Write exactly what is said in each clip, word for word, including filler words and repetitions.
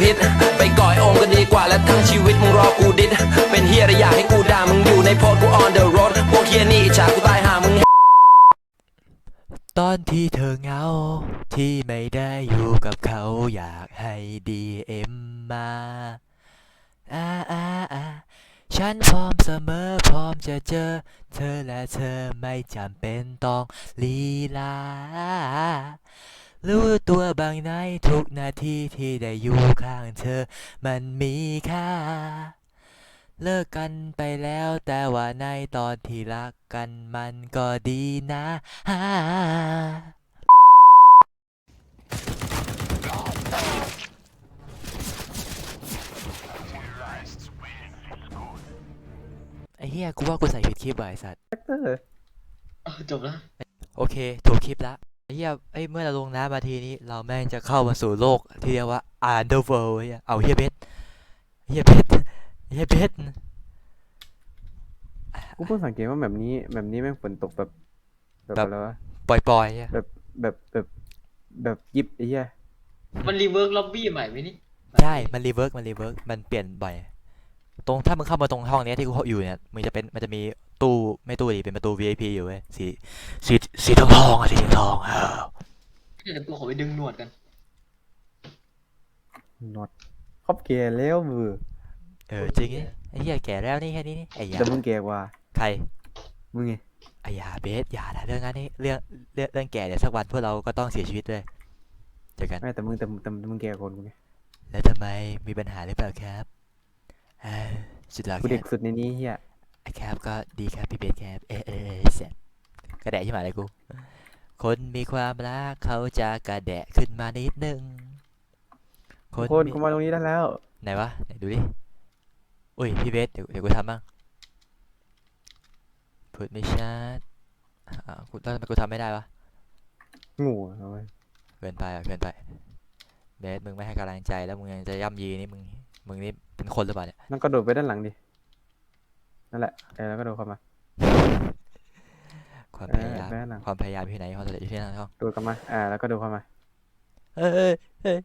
ฮิตไปก่อยโอมก็ดีกว่าและทั้งชีวิตมึงรอกูดิดเป็นเฮียอะไรอยากให้กูด่ามึงอยู่ในโพสกู on the road พวกเฮียนี่อิจฉากูตายหามึงตอนที่เธอเหงาที่ไม่ได้อยู่กับเขาอยากให้ ดี เอ็ม มาอ่าอ่าอ่าฉันพร้อมเสมอพร้อมจะเจอเธอและเธอไม่จำเป็นต้องลีลารู้ตัวบางในทุกนาทีที่ได้อยู่ข้างเธอมันมีค่าเลิกกันไปแล้วแต่ว่าในตอนที่รักกันมันก็ดีนะฮ่าไอ้เหี้ยกูว่ากูใส่ผิดคลิปว่ะไอ้สัตว์เออจบแล้วโอเคถูกคลิปละไอ้เหี้ยไอ้เมื่อเราลงน้ำมาทีนี้เราแม่งจะเข้ามาสู่โลกที่เรียกว่า Underworld เหี้ยเอาเหี้ยเบสเหี้ยเบสเหี้ยเบสกูเพิ่งสังเกตว่าแบบนี้แบบนี้แม่งฝนตกแบบแบบอะไรวะปล่อยๆเหี้ยแบบแบบแบบแบบยิบไอ้เหี้ยมันรีเวิร์กล็อบบี้ใหม่ไหมนี่ใช่มันรีเวิร์กมันรีเวิร์กมันเปลี่ยนบ่อยตรงถ้ามึงเข้ามาตรงห้องเนี้ยที่กูอยู่เนี่ยมันจะเป็นมันจะมีตู้ไม่ตู้ดิเป็นประตู วี ไอ พี อยู่เว้ยสีสีสีทองทองอะสีทองเออเดี๋ยวกูขอไปดึงหนวดกันนอตครอบแก่แล้วมือเออจริงไอ้เหี้ยแก่แล้วนี่แค่นี้นี่ไอ้ยาแต่มึงแก่กว่าใครมึงไงไอ้ยาเบสอย่านะเรื่องนั้นนี่เรื่องเรื่องเรื่องแก่เดี๋ยวสักวันพวกเราก็ต้องเสียชีวิตด้วยเจอกันไม่แต่มึงแต่มึงแต่มึงแก่กว่ากูไงแล้วทำไมมีปัญหาหรือเปล่าครับเออสุดหล่อกูเด็กครับสุดในนี้เหี้ยครับก็ดีครับพี่เบสครับเออเออเออเสร็จกระแดะใช่ไหมอะไรกูคนมีความรักเขาจะกระแดะขึ้นมานิดนึงคนคนมีกูมาตรงนี้ได้แล้วไหนวะไหนดูดิอุ้ยพี่เบสเดี๋ยวเดี๋ยวกูทำบ้างพูดไม่ชัดอ่ากูทำไมกูทำไม่ได้วะงูเอาไว้เกินไปอ่ะเกินไปเบสมึงไม่ให้กำลังใจแล้วมึงยังจะย่ำยีนี่มึงมึงนี่เป็นคนหรือเปล่าเนี่ยนั่นก็โดดไปด้านหลังดินั่นแหละเออแล้วก็โดดเข้ามาความเออพยายามไปด้านหลังความพยายามอยู่ที่ไหนความสำเร็จอยู่ที่นั่นท้องโดดเข้ามาอ่าแล้วก็โดดเข้ามาเอ้ยเอ้ย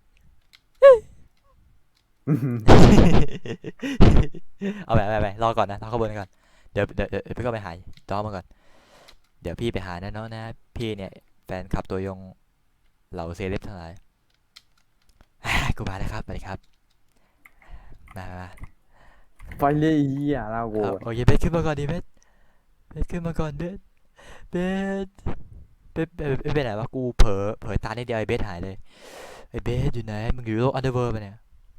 เอาไปไปไปรอก่อนนะรอขบวนก่อนเดี๋ยวเดี๋ยวเดี๋ยวพี่ก็ไปหาจ้อมาก่อนเดี๋ยวพี่ไปหานะน้องนะพี่เนี่ยแฟนคลับตัวยงเหล่าเซเลบทั้งหลายกูมาแล้วครับสวัสดีครับมามาไปเลยเหี้ยลาโวเอาโอ้ยเบสขึ้นมาก่อนดิเบสเบสขึ้นมาก่อนเบสเบสเบสเบสเบสไปไหนวะกูเผลอเผลอตานิดเดียวไอ้เบสหายเลยไอ้เบสอยู่ไหนมึงอยู่โลกอันเดอร์เวิร์ปะเนี่ย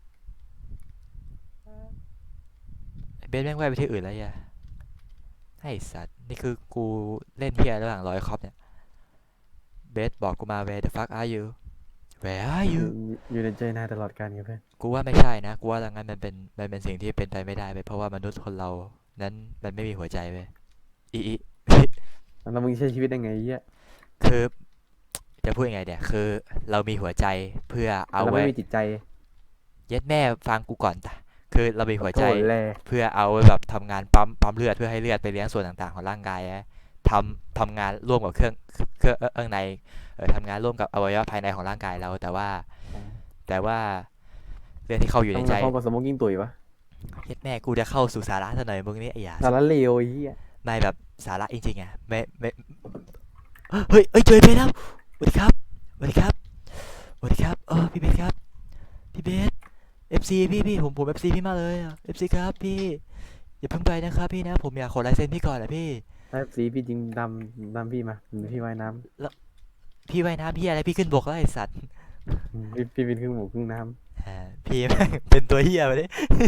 ไอ้เบสแม่งว่ายไปที่อื่นแล้วย่ะไอ้สัตว์นี่คือกูเล่นเฮียระหว่างรอยคอปเนี่ยเบสบอกกูมา where the fuck are you where are อยู่ you อยู่ในใจนายตลอดกาลครับเพื่อนกูว่าไม่ใช่นะกูว่าดังนั้นมันเป็นมันเป็นสิ่งที่เป็นไปไม่ได้ไปเพราะว่ามนุษย์คนเรานั้นมันไม่มีหัวใจไปอีอีแล้วมึงใช้ชีวิตยังไงเหี้ยคือจะพูดยังไงเนี่ยคือเรามีหัวใจเพื่อเอาเราไว้ไม่มีจิตใจเย็ดแม่ฟังกูก่อนจ้ะคือเรามีหัวใจโถ่แลเพื่อเอาไว้แบบทำงานปั๊มปั๊มเลือดเพื่อให้เลือดไปเลี้ยงส่วนต่างๆของร่างกายนะทำทำงานร่วมกับเครื่องเครื่องเอื้องในเออทำงานร่วมกับอวัยวะภายในของร่างกายเราแต่ว่าแต่ว่าเรื่องที่เข้าอยู่ในต้องใจมาพร้อมกับสโมกกิ้งตุ๋ยวะเย็ดแม่กูจะเข้าสู่สาระซะหน่อยมึงนี่ไอ้หยาสารเลวไอ้เหี้ยไม่แบบสาระจริงๆอ่ะไม่ไม่เฮ้ยเฮ้ยเจอเพชรแล้วสวัสดีครับสวัสดีครับสวัสดีครับเออพี่เบสครับพี่เบส เอฟ ซี พี่พี่ผมผม เอฟ ซี พี่มากเลยอะ เอฟ ซี ครับพี่อย่าเพิ่งไปนะครับพี่นะผมอยากขอลายเซ็นพี่ก่อนนะพี่ถ้าสีพี่จริงดำดำพี่มาพี่ว่ายน้พี่ว่ายน้ำพี่อะไรพี่ขึ้นบกแล้วไอ้สัตว์ำพี่พี่เป็นครึ่งหมูครึ่งน้อ่าพี่แม่งเป็นตัวเหี้ยไปดิ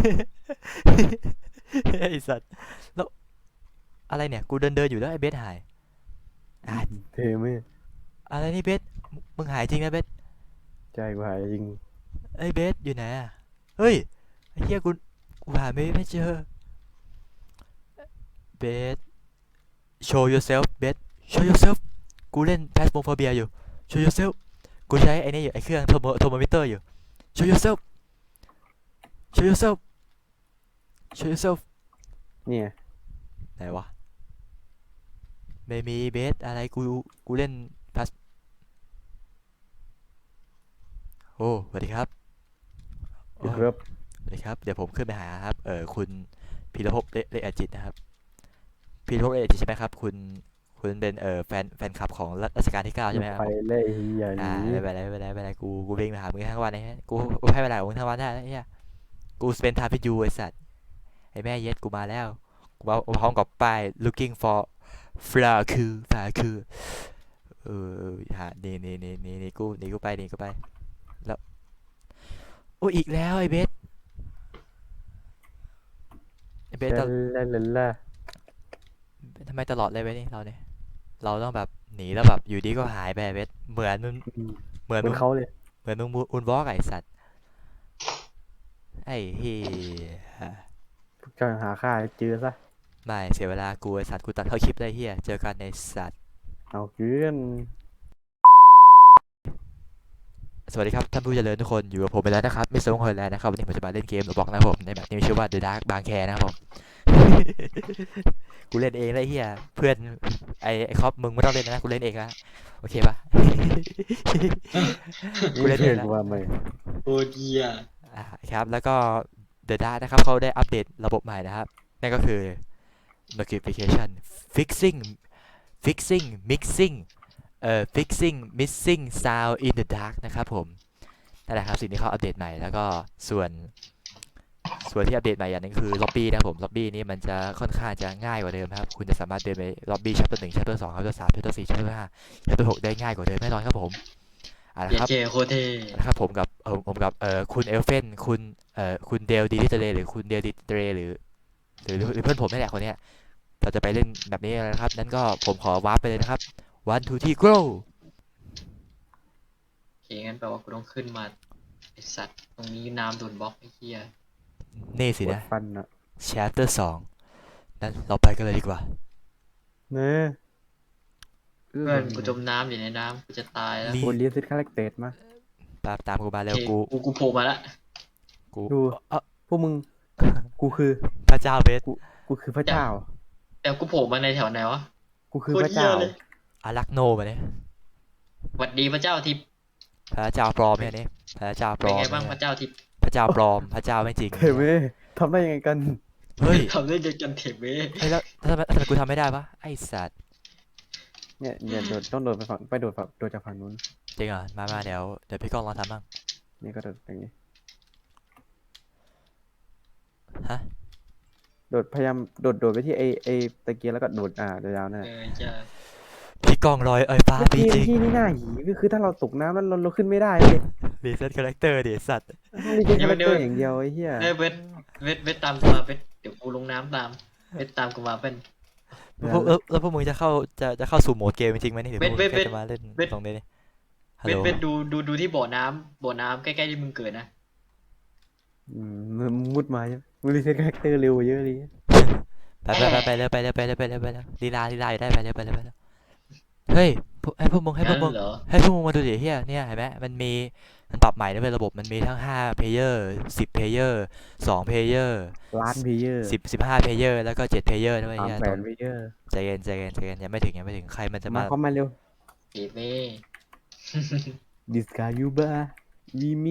ไอ้สัตว์แล้วอะไรเนี่ยกูเดินเดินอยู่แล้วไอ้เบสหายอ่ะำเท่ไหมอะไรนี่เบสมึงหายจริงนะเบสใจกูหายจริงไอ้เบสอยู่ไหนอะเฮ้ยไอ้เหี้ยกูกูหาไม่ไม่เจอเบส show yourself เบส show yourself กูเล่น Phasmophobia อยู่ show yourself กูใช้ไอ้นี่อยู่ไอ้เครื่องโทโมโทโมมิเตอร์อยู่ show yourself show yourself show yourself เนี่ยไหนวะไม่มีเบสอะไรกูกูเล่นพัสโอ้สวัสดีครับโอ้ครับสวัสดีครับ เดี๋ยวผมขึ้นไปหาครับ เออคุณพีรภพเลเลอจิตนะครับพีรภพเลอจิตใช่ไหมครับ คุณคุณเป็นเออแฟนแฟนคลับของรัรัชกาลที่เก้าใช่ไหมครับไปผมเลยเฮียหอ่านีไม่เป็นไรไม่เป็นไรไม่เป็นไรกูกูวิ่งไปหามึงทั้งวันเลยฮะกูกูให้เวลาของมึงทั้งวันได้แล้วเนี่ยกูสเปนทาพิยูไอสัตว์ไอแม่เย็ดกูมาแล้วกูมาพร้อมกับป้าย looking for flower คือ flower คือเออเออหานี่นี่นี่นี่นี่กูนี่กูไปนี่กูไปแล้วโอ้ยอีกแล้วไอเบสไอเบสตลาลลาลาลาทำไมตลอดเลยเบสนี่เราเนี่ยเราต้องแบบหนีแล้วแบบอยู่ดีก็หายไปไอ้เบสเหมือนมึงอืมเหมือนเหมืมึอนงเขาเลยเหมือนมึงอุนบล็อกไอสัตว์ไอ้เฮียพวกเจ้าหาค่าให้เจอซะไม่เสียเวลากูไอสัตว์กูตัดเข้าคลิปเลยเฮียเจอกันในสัตว์เอาเกินสวัสดีครับท่านผู้เจริญทุกคนอยู่กับผมไปแล้วนะครับมิสเตอร์วงเฮอร์แลนด์นะครับวันนี้ผมจะมาเล่นเกมหรือบอกนะครับผมในแบบนี้มีชื่อว่า The Dark บางแคนะครับผม กูเล่นเองเลยเฮียเพื่อนไอไอคอปมึงไม่ต้องเล่นนะกูเล่นเองละโอเคปะ กูเล่นเองเพื่อนละกูว่าไม่โอ้เดียอ่าครับแล้วก็ The Dark นะครับเขาได้อัปเดตระบบใหม่นะครับนั่นก็คือ notification fixing fixing mixing เอ่อ fixing missing sound in the dark นะครับผมนั่นแหละครับสิ่งที่เขาอัปเดตใหม่แล้วก็ส่วนส่วนที่อัปเดตใหม่อย่างหนึงคือล็อบบี้นะครับผมล็อบบี้นี้มันจะค่อนข้างจะง่ายกว่าเดิมครับคุณจะสามารถเดินไปล็อบบี้ chapter หนึ่ง chapter สอง chapter สาม chapter สี่ chapter ห้า chapter หกได้ง่ายกว่าเดิมแน่นอนครับผมเอาละเจครับเจโคตรเท่นะครับผมกับเออผมกับเอ่อคุณเอลเฟนคุณเอ่อคุณเดลดีลิเตเรหรือคุณเดลดิเตเรหรือหรือหรือเพื่อนผมนี่แหละคนเนี้ยเราจะไปเล่นแบบนี้กันนะครับนั้นก็ผมขอวาร์ปไปเลยนะครับ one two three go โอเคงั้นแปลว่ากูต้องขึ้นมาไอสัตว์ตรงนี้น้ำโดนบล็อกไอ้เหี้ยนี่ปสิวดนะฟันอ่ะ chapter สองนั้นเราไปกันเลยดีกว่าเนื้อเพื่อนกูจมน้ำอยู่ในน้ำกูจะตายแล้วนี่กูเรียนซิทคาแรคเตอร์มาตามตามกูมาโอเร็วเคกูกูกูโผล่มาละกูดูเอ่อพวกมึง กูคือพระเจ้าเบสกูคือพระเจ้าแต่กูโผล่มาในแถวไหนวะกูคือโคพตรระเหี้ยเจ้าเลยอารักโนมาเนี่ยหวัดดีพระเจ้าทิพย์พระเจ้าปลอมเนี่ยนี่พระเจ้าปลเป็นอมไงบ้างพเนี่ยระเจ้าทิพย์พระเจ้าปลอมพระเจ้าไม่จริงเทเวทำได้ยังไงกันเฮ้ยทำได้ยังจันเทเบ้เฮ้ยแล้วแล้วทำไมทำไมกูทำไม่ได้ปะไอสัตว์เนี่ยอย่าโดดต้องโดดไปฝั่งไปโดดฝั่งโดดจากฝั่งนู้นจริงเหรอมามาเดี๋ยวเดี๋ยวพี่ก้องลองทำบ้างนี่ก็โดดอย่างนี้ฮะโดดพยายามโดดโดดไปที่ไอไอตะเกียงแล้วก็โดดอ่าเดี๋ยวยาวนั่นเอแหละอจ้าพี่ก้องลอยเอ้ยฟ้าเมื่อปีกี้จริงที่นี่หน้าหีก็คือถ้าเราตกน้ำแล้วเราเราขึ้นไม่ได้เลยรีเซ็ตคาแรคเตอร์ดิสัตว์ต้องมีแค่คาแรคเตอร์อย่างเดียวไอ้เหี้ยเอ้ยเวทเวทเวทตามกูมาเวทเดี๋ยวกูลงน้ำตามเวทตามกูมาเป็นแล้วพวกแล้วแล้วพวกมึงจะเข้าจะจะเข้าสู่โหมดเกมจริงไหมนี่หรือพวกมึงเว้ยแค่เว้ยจะมาเล่นเว้ยตรงนี้นี่ฮัลเวโหลทเวทดูดูดูที่บ่อน้ำบ่อน้ำใกล้ๆที่มึงเกิดนะอืมมึงมุดมาใช่ไหมมึงรีเซ็ตคาแรคเตอร์เร็วกว่าเยอะเลยไปไปไปไปเลยไปเลยไปเลยไปเลยไปเลยลีลาลีลาอยู่ได้ไปเลยไปเลยไปเลยเฮ้ยพวกให้พวกมึงให้พวกมึงนั่นเหรอให้พวกมึงมาดูดิเฮียเนี่ยเห็นไหมมันมีมันปรับใหม่ด้วยเวยระบบมันมีทั้งห้าเพลเยอร์สิบเพลเยอร์สองเพลเยอร์ล้านเพลเยอร์สิบสิบห้าเพลเยอร์แล้วก็เจ็ดเพลเยอร์ด้วยสามเฮียแสต้อน งเพลเยอร์ใจเย็นใจเย็นใจเย็นยังไม่ถึงยังไม่ถึงใครมันจะมามาเข้ามาเร็วเอเบ้ดิสกายูบาวีมี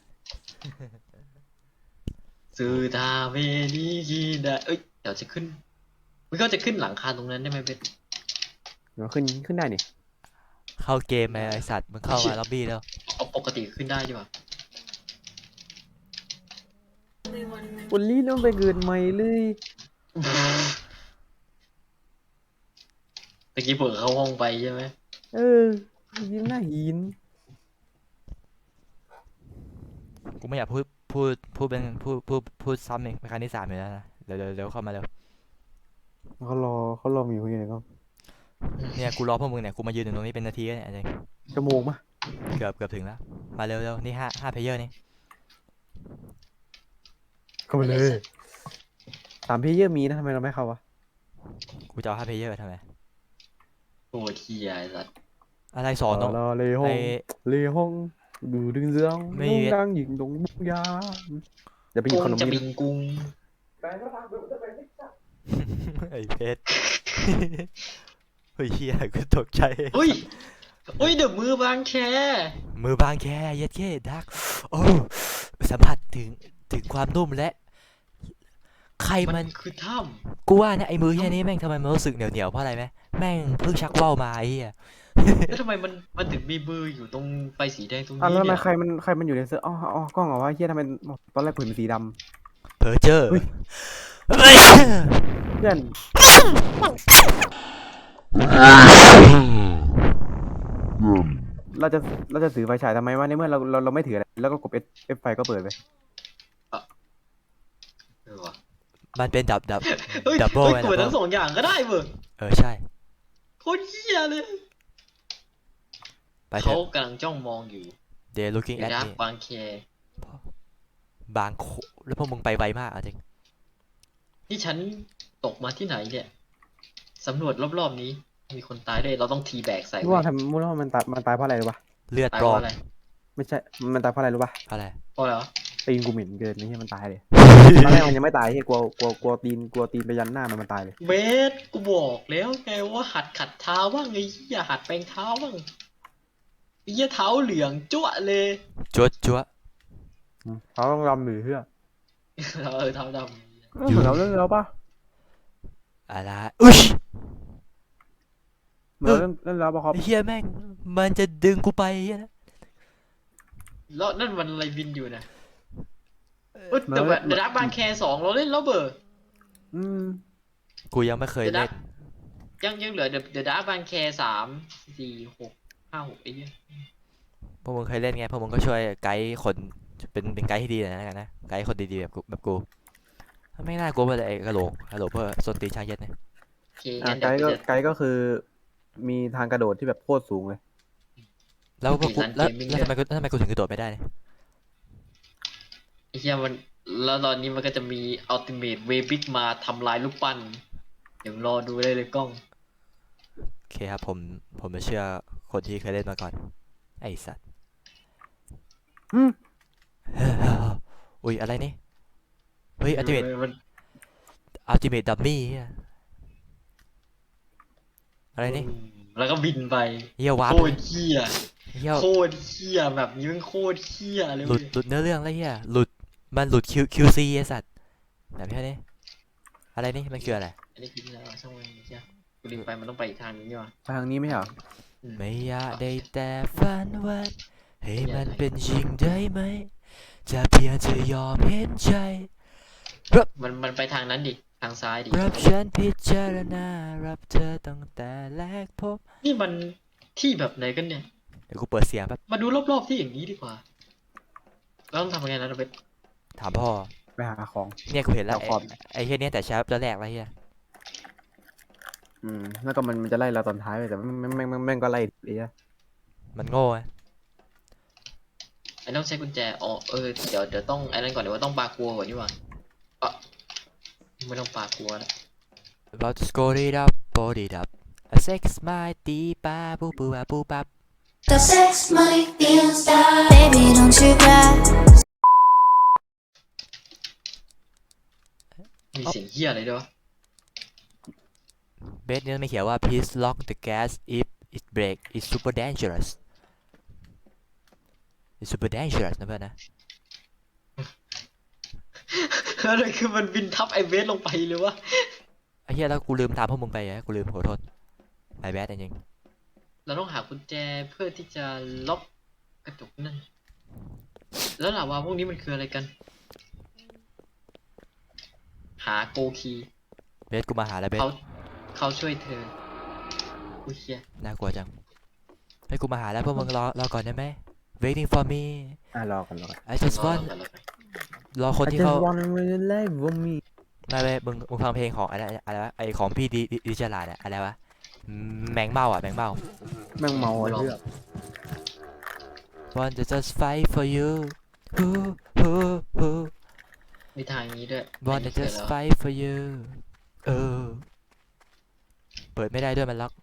สื่อทาเวนีกีดาเอ้ยเดี๋ยวจะขึ้นมึงก็จะขึ้นหลังคาตรงนั้นได้ไหมเบสเดี๋ยวขึ้นขึ้นได้นี่เข้าเกมไอ้สัตว์มึงเข้ามาล็อบบี้แล้วเอาปกติขึ้นได้ใช่ปะวันนี้ต้องไปเกิดใหม่เลยตะกี้เปิดเข้าห้องไปใช่ไหมเออยิ้มหน้าหินกูไม่อยากพูดพูดพูดเป็นพูดพูดพูดซ้ำอีกเป็นครั้งที่สามอยู่แล้วนะเดี๋ยวเดี๋ยวเดี๋ยวเข้ามาเร็วเขารอเขารอมีคนอยู่ไหนก็เนี่ยกูรอพวกมึงเนี่ยกูมายืนอยู่ตรงนี้เป็นนาทีแล้วเนี่ยจริงชั่วโมงปะเกือบเกือบถึงแล้วมาเร็วเร็วนี่ห้าห้าเพลเยอร์นี่เข้ามาเลยสามเพลเยอร์มีนะทำไมเราไม่เข้าวะกูจะเอาห้าเพลเยอร์ทำไมโอ้เทียไอ้สัตว์อะไรสอนน้องรอเลยห้อไองเลยห้องดูดึงเรื่องไม่ดงดังหญิงดงบุกยาเดี๋ยวไปหยิบกุ้ขงนมจะนี้บิงกุ้งไอ้เพชร เฮ้ยเฮียกูตกใจอุ้ยอุ้ยเดี๋ยวมือบางแคมือบางแค่เย็ดเก้ดักโอ้สัมผัสถึงถึงความนุ่มและใครมัมันนคือถ้กูว่าเนี่ยไอ้มือเฮียนี้แม่งทำไมมันรู้สึกเหนียวเหนียวเพราะอะไรไหมแม่งเพิ่งชักว่าวมาไอ้เฮียำแล้วทำไมมันมันถึงมีมืออยู่ตรงไฟสีแดงตรงอ่ะนี้แล้วทำไมเนี่ยใครมันใครมันอยู่ในเสื้ออ๋ออ๋อกล้องเหรอวะเฮียทำไมตอนแรกผมเห็นสีดเพอเจอร์เฮ้ยเฮ้ยำเพื่อนเราจะเราจะถือไฟฉายทำไมวะในเมื่อเราเราเราไม่ถืออะไรแล้วก็กดเอฟเอฟไฟก็เปิดไปเออว่ะมันเป็นดับดับเฮ้ยดับเบิลเฮ้ยไงเปิดดับเบิลทั้งสองอย่างก็ได้เว้ยเออใช่โคตรเหี้ยเลยไปเถเขาอะกำลังจ้องมองอยู่ they're looking เดี๋ยว at นะ me บางแคบางโคแล้วพวกมึงไปไวมากอ่ะจริงนี่ฉันตกมาที่ไหนเนี่ยสำรวจรอบๆนี้ มีคนตายด้วยเราต้องทีแบกใส่รู้ว่าทำรู้ว่ามันตายมันตายเพราะอะไรรู้ปะเลือดตายปเพลอราะมอะไรไม่ใช่มันตายเพราะอะไรรู้ปะอะไรเพราะอะไรวะตีนกูเหม็นเกินนี่ให้มันตายเลยตอนแรกมันยังไม่ตายเฮ้ยกลัวกลัวกลัวตีนกลัวตีนไปยันหน้ามันมันตายเลยเบสกูบอกแล้วไงว่าหัดขัดเท้าบ้างไอ้เหี้ยหัดแปรงเท้าบ้างไอ้เหี้ยเท้าเหลืองจ้วะเลยจั๊วจั๊วอืมเขาต้องรำหรือเพื่อเออเท้าดเออเหมือนเราเล่นแล้วปะอะไรอุ๊ยเหมือนเราเล่นเล่นแล้วปะครับไอ้เฮียแม่งมันจะดึงกูไปไอ้เฮียนะำแล้วนั่นมันอะไรบินอยู่นะเอ้ยแต่แบบเดอะดักบางแคสองเราเล่นแล้วเบอร์อืมกูยังไม่เคยเดอะดัเล่กนยังยังเหลือเดอะเดอะดักบางแคสามสี่หกห้าหกไอ้เหี้ยพวกมึงเคยเล่นไงพวกมึงก็ช่วยไกด์คนเป็นเป็นไกด์ที่ดีหน่อยนะกันนะไกด์คนดีๆแบบกูแบบกูไม่น่ากลัวเลยไอ้กระโหลกกระโหลกเพื่อส้นตีนชายเย็ดเนี่ยโอเคอ่ะงั้นไกเดี๋ยวด์ก็กูจะไกด์ก็คือ มีทางกระโดดที่แบบโคตรสูงเลยแล้วพวกกูมีร้านแล้ว gaming แล้วทำไมกูแล้วทำไมกูถึงกระโดดไม่ได้เนี่ยไอ้เหี้ยมันแล้วตอนนี้มันก็จะมีอัลติเมทเวบิกมาทำลายลูกปั้นเดี๋ยวรอดูได้เลยกล้องโอเคครับผมผมจะเชื่อคนที่เคยเล่นมาก่อนไอ้สัตว์อืมอุ้ยอะไรนี่เฮ้ยอัลติเมทเออมันอัลติเมทดัมมี่อะไรนี่แล้วก็บินไปเฮียวาร์โคปตรเหี้ยเฮียโคตรเหี้ยแบบนี้มันโคตรเหี้ยเลยหลุเว้ดยหลุดเนื้อเรื่องแล้วเฮียหลุดมันหลุดคิวคิวซีไอ้สัตว์แบบนี้นี่อะไรนี่มันคืออะไรอันนี้คือที่ไหนวะช่างมันเหี้ยกูลืมไปมันต้องไปอีกทางนึงนี่หว่าทางนี้ไม่ใช่เหรอไม่อยากได้แต่ฝันวันให้มันเป็นจริงได้ไหมจะเพียงจะยอมเห็นใจมันมันไปทางนั้นดิทางซ้ายดิรับฉันพิจารณารับเธอตั้งแต่แรกพบนี่มันที่แบบไหนกันเนี่ยเดี๋ยวกูเปิดเสียงแป๊บมาดูรอบๆที่อย่างนี้ดีกว่าเราต้องทำยังไงนะเราไปถามพ่อไปหาของเนี่ยกูเห็นแล้วเอาไอ้ขอบไอ้เฮียเนี่ยแต่เช้าตอนแรกแล้วเฮียอืมแล้วก็มันมันจะไล่เราตอนท้ายไปแต่แม่งแม่งแม่งแม่งก็ไล่ไอ้เหี้ยมันโง่อะไอ้ต้องใช้กุญแจอ๋อเออเดี๋ยวเดี๋ยวต้องไอ้นั่นก่อนเดี๋ยวว่าต้องปากัวก่อนนี่หว่าเอ่ะไม่ต้องปากัวแล้วเราจะ score it up board it up a sex my ตีปาปูปูปาปูปับ The sex money feels bad. Baby, don't you cry. มีเสียงเหี้ยอะไรด้วยวะเบสเนี่ยไม่เขียนว่า please lock the gas if it break it's super dangerous it's super dangerous นะเพื่อนนะอะไรคือมันบินทับไอเวสลงไปเลยวะไอ้เหี้ยแล้วกูลืมถามพวกมึงไปอะกูลืมขอโทษไอ้แบดจริงเราต้องหากุญแจเพื่อที่จะล็อกกระจกนั่นแล้วล่ะว่าพวกนี้มันคืออะไรกัน หาโกคีๆเบสกูมาหาแล้วเบสเขาเขาช่วยเธออุ้ยเฮียน่ากลัวจังให้กูมาหาแล้วพวกมึงรอรอก่อนได้ไหม waiting for me อ่ะรอกันรอกัน I just รอ want รอรอรอคน I ที่ just เขา wanna really live with me ไม่ไม่มึงมึงฟังเพลงของอะไรอะไรวะไอของพี่ดีดีจลาดอะอะไรวะแมงเมาอ่ะแมงเมาแม่งเมาไอ้เหี้ย want to just fight for you who who who มีทางนี้ด้วย want ไม่ to เจอ just แล้ว fight for you เออเปิดไม่ได้ด้วยมันล็อก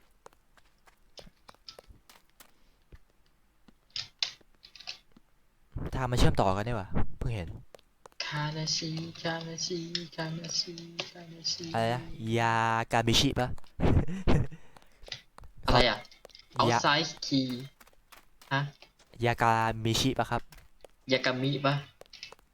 ทางมันเชื่อมต่อกันได้วะเพิ่งเห็นคานาชิคานาชิคานาชิคานาชิอะไรนะยากามิชิปะอะไรอ่ะเอายาไซส์คีย์ฮะยากามิชิปะครับยากามิปะ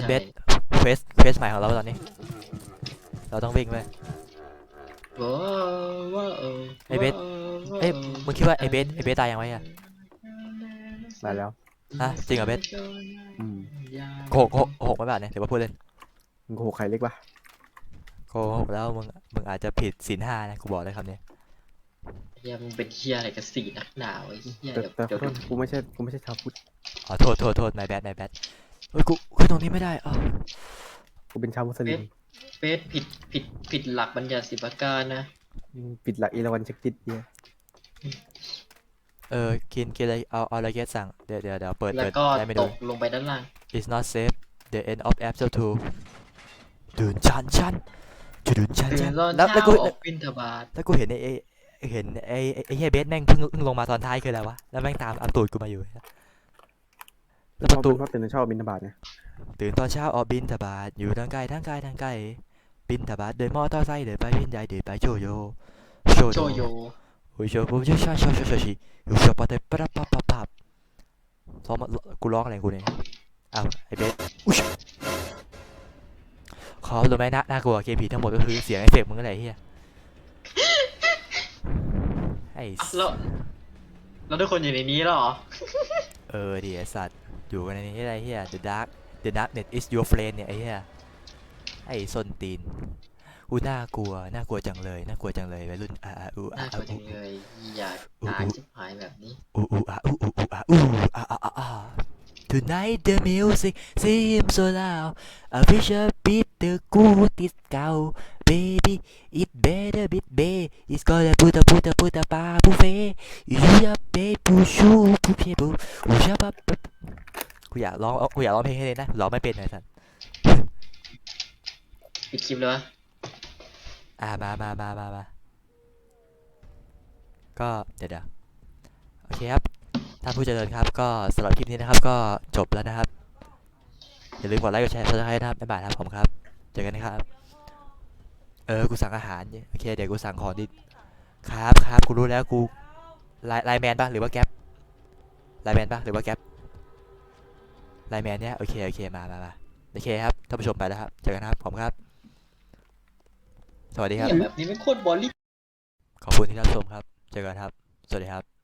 านเบสเควสเควสใหม่ของเราตอนนี้ เราต้องวิ่งไปว้าวว้าวไอ้เบส เอ้ยมึงคิดว่าไอเบสไอเบสตายยังไงอะได้แล้วฮะจริงเหรอเบสอืมโกหกโกหกโกหกไม่บาทเนี่ยเดี๋ยวมาพูดเล่นมึงโกหกใครเล็กปะโกหกแล้วมึงมึงอาจจะผิดศีลห้านะกูบอกเลยคำนี้เฮียมึงเป็นเฮียอะไรกับสีนักหนาวไอ้เฮียแต่เดี๋ยวแต่ขเดี๋อยวโทษกูไม่ใช่กูไม่ใช่ชาวพุทธอ๋อโทษโทษโทษนายแบดนายแบดเฮ้ยกูขึ้นตรงนี้ไม่ได้อ๋อกูเป็นชาวมุสลิมเบสผิดผิดผิดหลักบัญญัติสิบประการนะปิดหลักเอราวัณเช็คจิตเนี่ยเออกินกินอะไรเอาเอาอะไรเกสสั่งเดี๋ยวเดี๋ยวเดี๋ยวเปิดแล้วเปิดก็ได้ไม่ตดูกลงไปด้านล่าง it's not safe the end of episode two ดูนชันชันจุดุนชันตื่ชันนตอนแล้วเช้าแล้วกูออกบิณฑบาตแล้วกูเห็นไอ้ไอ้เห็นไอ้ไอ้ไอ้เฮียเบสแม่งเพิ่งเพิ่งลงมาตอนท้ายคืออะไรวะแล้วแม่งตามอัมตูดกูมาอยู่แล้วประตูเพราะตื่นเช้าบินบาตไงตื่นตอนเช้าออกบินทบาทอยู่ทั้งไกลทั้งไกลทั้งไกลบินทบาทเดินมอเตอร์ไซค์เดินไปบินใหญ่เดินไปโชโยโชโจโยโอ้ยโชโยชาชาชาชาชิอยู่ชอบปะเตปะปะปะปะซ้อมกูร้องอะไรกูเนี่ยอ้าวไอ้เบสอุ๊ยขอรู้ไหมน่าน่ากลัวเกมผีทั้งหมดก็คือเสียงเอฟเฟกต์มึงอะไรเฮียไอ้อ่ะแล้วแล้วทุกคนอยู่ในนี้แล้วเหรอเออดิไอ้สัตว์อยู่กันในนี้อะไรเฮีย The Dark The Darknet is your friend เนี่ยไอ้เฮียไอ้ส้นตีนอูน่ากลัวน่ากลัวจังเลยน่ากลัวจังเลยวัยรุ่นอ่าอ่าอูอ่าน่ากลัวจัอูงเลยอยากตายชิบหายแบบนี้อูอูอ่าอูอูอูอ่าอูอ่าอ่าอ่าอ่า Tonight the music seems so loud I wish a bit the good is cow baby it better bit bay it's gonna put a put a put a bar buffet you a pay push you push you push up up กูอยากร้องกูอยากร้องเพลงให้เลยนะร้องไม่เป็นเลยสันปิดคลิปเลยวะอ่ามามามามามาก็เดี๋ยวเดี๋ยวโอเคครับท่านผู้เจริญครับก็สำหรับคลิปนี้นะครับก็จบแล้วนะครับอย่าลืมกดไลค์กดแชร์กดซับสไครต์นะครับบ๊ายบายครับผมครับเจอกันนะครับเออกูสั่งอาหารเนี่ยโอเคเดี๋ยวกูสั่งของดิครับครับกูรู้แล้วกูไลน์ไลน์แมนป่ะหรือว่าแก๊ปไลน์แมนป่ะหรือว่าแก๊ปไลน์แมนเนี่ยโอเคโอเคมามามาโอเคครับท่านผู้ชมไปแล้วครับเจอกันนะครับผมครับสวัสดีครับเนี่ยแบบนี้ไม่โคตรบอลลี่ขอบคุณที่รับชมครับ เจอกันครับ สวัสดีครับ